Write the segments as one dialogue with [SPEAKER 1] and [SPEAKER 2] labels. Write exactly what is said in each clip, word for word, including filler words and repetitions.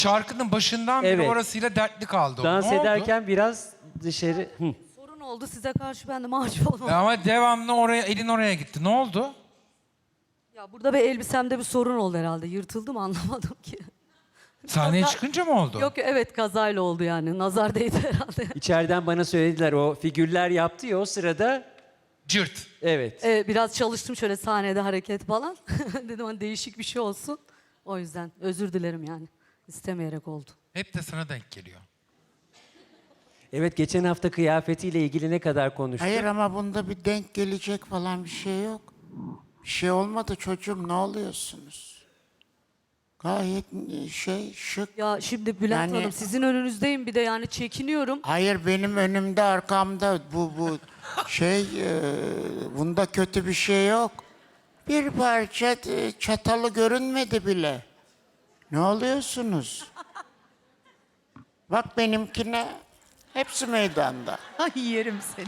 [SPEAKER 1] Şarkının başından beri
[SPEAKER 2] Evet.
[SPEAKER 1] orasıyla dertli kaldı. o.
[SPEAKER 2] Dans
[SPEAKER 1] Ne oldu?
[SPEAKER 2] ederken biraz dışarı... Hı.
[SPEAKER 3] Sorun oldu size karşı, ben de mahcup olmadım.
[SPEAKER 1] E Ama devamlı oraya, elin oraya gitti. Ne oldu?
[SPEAKER 3] Ya burada bir elbisemde bir sorun oldu herhalde. Yırtıldı mı anlamadım ki.
[SPEAKER 1] Sahneye
[SPEAKER 3] Kaza-
[SPEAKER 1] çıkınca mı oldu?
[SPEAKER 3] Yok evet, kazayla oldu yani. Nazar değdi herhalde.
[SPEAKER 2] İçeriden bana söylediler, o figürler yaptı ya o sırada.
[SPEAKER 1] Cırt.
[SPEAKER 2] Evet.
[SPEAKER 3] Evet, biraz çalıştım şöyle sahnede hareket falan. Dedim hani değişik bir şey olsun. O yüzden özür dilerim yani. İstemeyerek oldu.
[SPEAKER 1] Hep de sana denk geliyor.
[SPEAKER 2] Evet, geçen hafta kıyafetiyle ilgili ne kadar konuştuk.
[SPEAKER 4] Hayır ama bunda bir denk gelecek falan bir şey yok. Bir şey olmadı çocuğum, ne oluyorsunuz? Gayet şey şık.
[SPEAKER 3] Ya şimdi Bülent
[SPEAKER 4] Yani-
[SPEAKER 3] Hanım sizin önünüzdeyim, bir de yani çekiniyorum.
[SPEAKER 4] Hayır benim önümde arkamda bu bu şey e, bunda kötü bir şey yok. Bir parça e, çatalı görünmedi bile. Ne oluyorsunuz? Bak benimkine hepsi meydanda.
[SPEAKER 5] Ay yerim seni.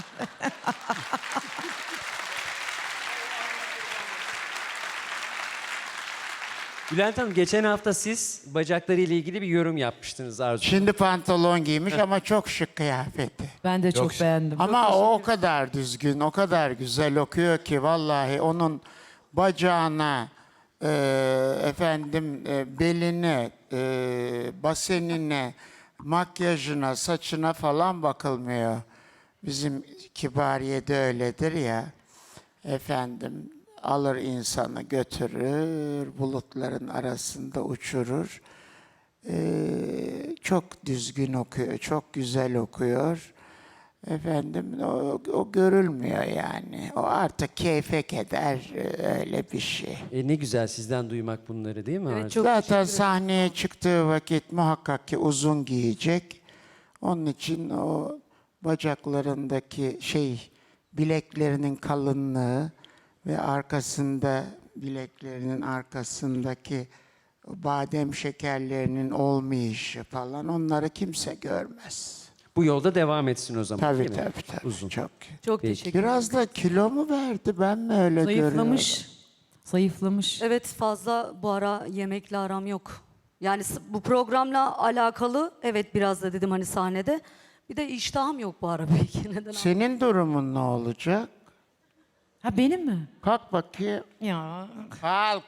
[SPEAKER 2] Bülent Hanım, geçen hafta siz bacaklarıyla ilgili bir yorum yapmıştınız Arzu.
[SPEAKER 4] Şimdi pantolon giymiş ama çok şık kıyafeti.
[SPEAKER 5] Ben de çok
[SPEAKER 1] Yok.
[SPEAKER 5] beğendim.
[SPEAKER 4] Ama o o kadar düzgün, o kadar güzel okuyor ki vallahi onun bacağına, e, efendim e, beline, e, basenine, makyajına, saçına falan bakılmıyor. Bizim Kibariye'de öyledir ya. Efendim alır insanı götürür, bulutların arasında uçurur. Ee, çok düzgün okuyor, çok güzel okuyor. Efendim o, o görülmüyor yani. O artık keyfe keder e, öyle bir şey.
[SPEAKER 2] E, ne güzel sizden duymak bunları, değil mi
[SPEAKER 3] Evet,
[SPEAKER 2] Arzu?
[SPEAKER 3] çok
[SPEAKER 4] Zaten sahneye çıktığı vakit muhakkak ki uzun giyecek. Onun için o bacaklarındaki şey, bileklerinin kalınlığı ve arkasında, bileklerinin arkasındaki badem şekerlerinin olmayışı falan, onları kimse görmez.
[SPEAKER 2] Bu yolda devam etsin o zaman.
[SPEAKER 4] Tabii
[SPEAKER 2] değil mi?
[SPEAKER 4] tabii tabii.
[SPEAKER 2] Uzun.
[SPEAKER 4] Çok.
[SPEAKER 3] Çok
[SPEAKER 2] Peki.
[SPEAKER 3] teşekkür ederim.
[SPEAKER 4] Biraz da kilo mu verdi, ben mi öyle görüyorum?
[SPEAKER 5] Zayıflamış. Zayıflamış.
[SPEAKER 3] Evet, fazla bu ara yemekle aram yok. Yani s- bu programla alakalı evet, biraz da dedim hani sahnede. Bir de iştahım yok bu ara belki. Neden?
[SPEAKER 4] Senin durumun ne olacak?
[SPEAKER 5] Ha benim mi?
[SPEAKER 4] Kalk bakayım.
[SPEAKER 5] Ya.
[SPEAKER 4] Kalk.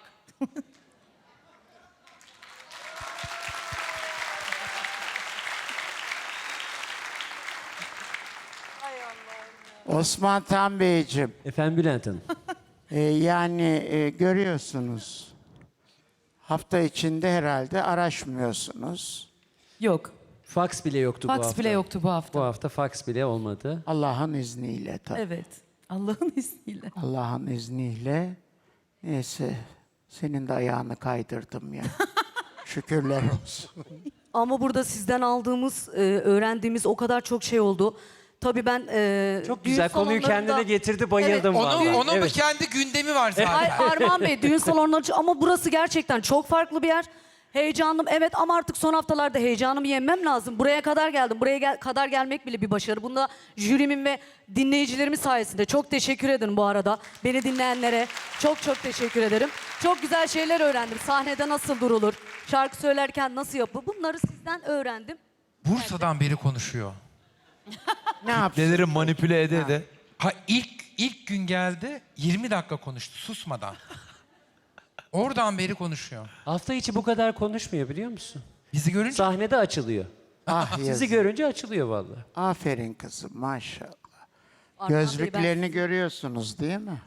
[SPEAKER 4] Osman Tan Beyciğim,
[SPEAKER 2] Efendim Bülent Hanım.
[SPEAKER 4] e, yani e, görüyorsunuz. Hafta içinde herhalde araşmıyorsunuz.
[SPEAKER 5] Yok.
[SPEAKER 2] Fax bile yoktu bu
[SPEAKER 5] Fax
[SPEAKER 2] hafta.
[SPEAKER 5] bile yoktu bu hafta.
[SPEAKER 2] Bu hafta fax bile olmadı.
[SPEAKER 4] Allah'ın izniyle tabii.
[SPEAKER 5] Evet. Allah'ın izniyle.
[SPEAKER 4] Allah'ın izniyle. Neyse, senin de ayağını kaydırdım ya. Şükürler olsun.
[SPEAKER 3] Ama burada sizden aldığımız, e, öğrendiğimiz o kadar çok şey oldu. Tabii ben e,
[SPEAKER 2] Çok
[SPEAKER 3] düğün
[SPEAKER 2] güzel, konuyu
[SPEAKER 3] salonlarında-
[SPEAKER 2] kendine getirdi, bayıldım
[SPEAKER 3] Evet,
[SPEAKER 2] vallahi.
[SPEAKER 1] Onun, onun
[SPEAKER 2] Evet.
[SPEAKER 1] bir kendi gündemi var zaten.
[SPEAKER 3] Ay Armağan Bey, düğün salonları ama burası gerçekten çok farklı bir yer. Heyecanlım evet, ama artık son haftalarda heyecanımı yenmem lazım. Buraya kadar geldim. Buraya gel- kadar gelmek bile bir başarı. Bunda jürimin ve dinleyicilerimin sayesinde. Çok teşekkür ederim bu arada. Beni dinleyenlere çok çok teşekkür ederim. Çok güzel şeyler öğrendim. Sahnede nasıl durulur, şarkı söylerken nasıl yapılır, bunları sizden öğrendim.
[SPEAKER 1] Bursa'dan beri konuşuyor.
[SPEAKER 4] Ne yapsın?
[SPEAKER 1] Neleri manipüle ede ede. Ha ilk ilk gün geldi, yirmi dakika konuştu susmadan. Oradan beri konuşuyor.
[SPEAKER 2] Hafta içi bu kadar konuşmuyor, biliyor musun?
[SPEAKER 1] Bizi görünce
[SPEAKER 2] Sahnede açılıyor.
[SPEAKER 4] Ah
[SPEAKER 2] Sizi
[SPEAKER 4] yazık.
[SPEAKER 2] görünce açılıyor vallahi.
[SPEAKER 4] Aferin kızım, maşallah.
[SPEAKER 3] Armağan Bey, ben-
[SPEAKER 4] Gözlüklerini görüyorsunuz değil mi?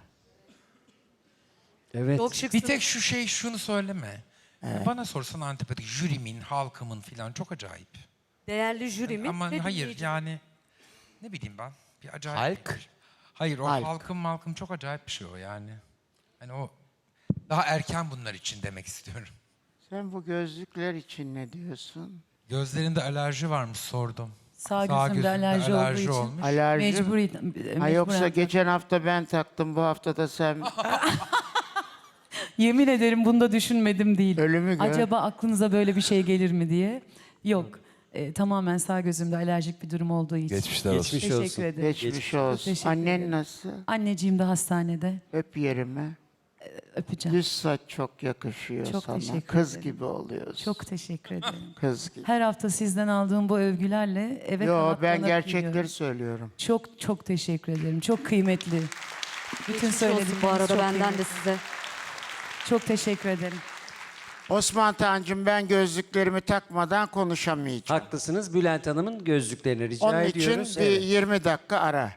[SPEAKER 2] Evet.
[SPEAKER 3] Çok
[SPEAKER 1] bir
[SPEAKER 3] şıksınız.
[SPEAKER 1] tek şu şey şunu söyleme. Bana sorsan antipatik, jürimin, halkımın falan çok acayip.
[SPEAKER 3] Değerli jürimin
[SPEAKER 1] Ama
[SPEAKER 3] ve
[SPEAKER 1] hayır
[SPEAKER 3] dinleyicimin.
[SPEAKER 1] yani ne bileyim ben bir acayip.
[SPEAKER 2] Halk?
[SPEAKER 1] Hayır o
[SPEAKER 4] Halk.
[SPEAKER 1] halkım malkım çok acayip bir şey o yani. Hani o daha erken bunlar için demek istiyorum.
[SPEAKER 4] Sen bu gözlükler için ne diyorsun?
[SPEAKER 1] Gözlerinde alerji varmış sordum.
[SPEAKER 5] Sağ
[SPEAKER 1] Sağ
[SPEAKER 5] gözümde
[SPEAKER 1] gözünde
[SPEAKER 5] alerji, olduğu için.
[SPEAKER 1] olmuş.
[SPEAKER 4] Alerji mi?
[SPEAKER 5] Mecburi,
[SPEAKER 4] Ha
[SPEAKER 5] mecburen.
[SPEAKER 4] yoksa geçen hafta ben taktım, bu hafta da sen.
[SPEAKER 5] Yemin ederim bunu da düşünmedim değil.
[SPEAKER 4] Ölümü gör.
[SPEAKER 5] Acaba aklınıza böyle bir şey gelir mi diye. Yok. E, tamamen sağ gözümde alerjik bir durum olduğu için.
[SPEAKER 6] Geçmişler olsun.
[SPEAKER 2] Geçmiş
[SPEAKER 5] Teşekkür
[SPEAKER 2] olsun.
[SPEAKER 5] ederim.
[SPEAKER 4] Geçmiş olsun.
[SPEAKER 5] Teşekkür
[SPEAKER 4] Annen
[SPEAKER 5] ederim.
[SPEAKER 4] nasıl?
[SPEAKER 5] Anneciğim de hastanede.
[SPEAKER 4] Öp yerime.
[SPEAKER 5] Öpeceğim.
[SPEAKER 4] Düz saç çok yakışıyor
[SPEAKER 5] Çok
[SPEAKER 4] sana.
[SPEAKER 5] teşekkür
[SPEAKER 4] Kız
[SPEAKER 5] ederim.
[SPEAKER 4] gibi oluyorsun.
[SPEAKER 5] Çok teşekkür ederim.
[SPEAKER 4] Kız gibi.
[SPEAKER 5] Her hafta sizden aldığım bu övgülerle eve
[SPEAKER 4] Yo,
[SPEAKER 5] kanat
[SPEAKER 4] ben
[SPEAKER 5] kanat
[SPEAKER 4] gerçekleri
[SPEAKER 5] gidiyorum.
[SPEAKER 4] söylüyorum.
[SPEAKER 5] Çok çok teşekkür ederim. Çok kıymetli. Bütün
[SPEAKER 3] Geçmiş olsun
[SPEAKER 5] söyledikleriniz
[SPEAKER 3] bu arada
[SPEAKER 5] çok
[SPEAKER 3] benden
[SPEAKER 5] kıymetli.
[SPEAKER 3] de size.
[SPEAKER 5] Çok teşekkür ederim.
[SPEAKER 4] Osman Tancım, ben gözlüklerimi takmadan konuşamayacağım.
[SPEAKER 2] Haklısınız. Bülent Hanım'ın gözlüklerini rica
[SPEAKER 4] Onun için
[SPEAKER 2] ediyoruz.
[SPEAKER 4] bir
[SPEAKER 2] Evet.
[SPEAKER 4] yirmi dakika ara.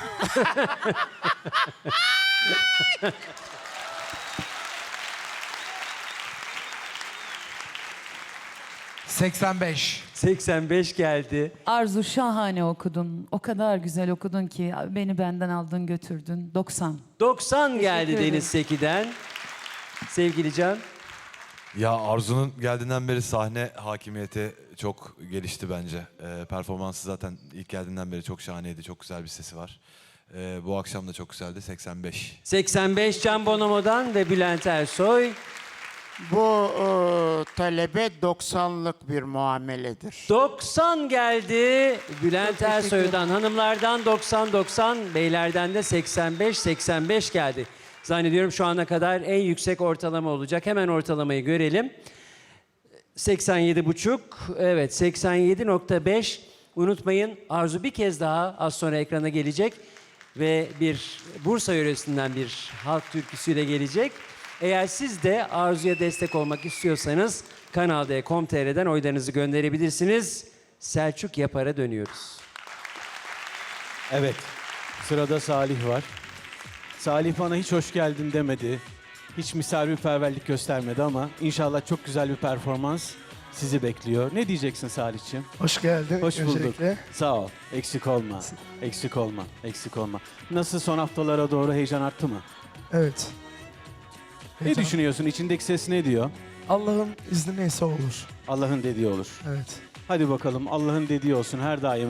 [SPEAKER 1] seksen beş.
[SPEAKER 2] seksen beş geldi.
[SPEAKER 5] Arzu, şahane okudun. O kadar güzel okudun ki beni benden aldın götürdün. doksan.
[SPEAKER 2] doksan geldi
[SPEAKER 5] ederim.
[SPEAKER 2] Deniz Seki'den. Sevgili Can.
[SPEAKER 6] Ya Arzu'nun geldiğinden beri sahne hakimiyeti çok gelişti bence. Ee, performansı zaten ilk geldiğinden beri çok şahaneydi. Çok güzel bir sesi var. Ee, bu akşam da çok güzeldi. seksen beş.
[SPEAKER 2] seksen beş Can Bonomo'dan ve Bülent Ersoy.
[SPEAKER 4] Bu e, talebe doksanlık bir muameledir.
[SPEAKER 2] doksan geldi. Bülent
[SPEAKER 3] Çok teşekkür
[SPEAKER 2] Ersoy'dan, hanımlardan doksan doksan, beylerden de seksen beş seksen beş geldi. Zannediyorum şu ana kadar en yüksek ortalama olacak. Hemen ortalamayı görelim. seksen yedi buçuk. Evet, seksen yedi nokta beş. Unutmayın, Arzu bir kez daha az sonra ekrana gelecek ve bir Bursa yöresinden bir halk türküsüyle gelecek. Eğer siz de Arzu'ya destek olmak istiyorsanız Kanal D nokta com nokta t r'den oylarınızı gönderebilirsiniz. Selçuk Yapar'a dönüyoruz.
[SPEAKER 7] Evet, sırada Salih var. Salih bana hiç hoş geldin demedi. Hiç misafirperverlik göstermedi ama inşallah çok güzel bir performans sizi bekliyor. Ne diyeceksin Salih'ciğim?
[SPEAKER 8] Hoş geldin.
[SPEAKER 7] Hoş bulduk.
[SPEAKER 8] öncelikle.
[SPEAKER 7] Sağ ol. Eksik olma. Eksik olma. Eksik olma. Nasıl, son haftalara doğru heyecan arttı mı?
[SPEAKER 8] Evet.
[SPEAKER 7] Ne
[SPEAKER 8] Heyecan.
[SPEAKER 7] düşünüyorsun? İçindeki ses ne diyor?
[SPEAKER 8] Allah'ın izni neyse olur.
[SPEAKER 7] Allah'ın dediği olur.
[SPEAKER 8] Evet.
[SPEAKER 7] Hadi bakalım, Allah'ın dediği olsun her daim.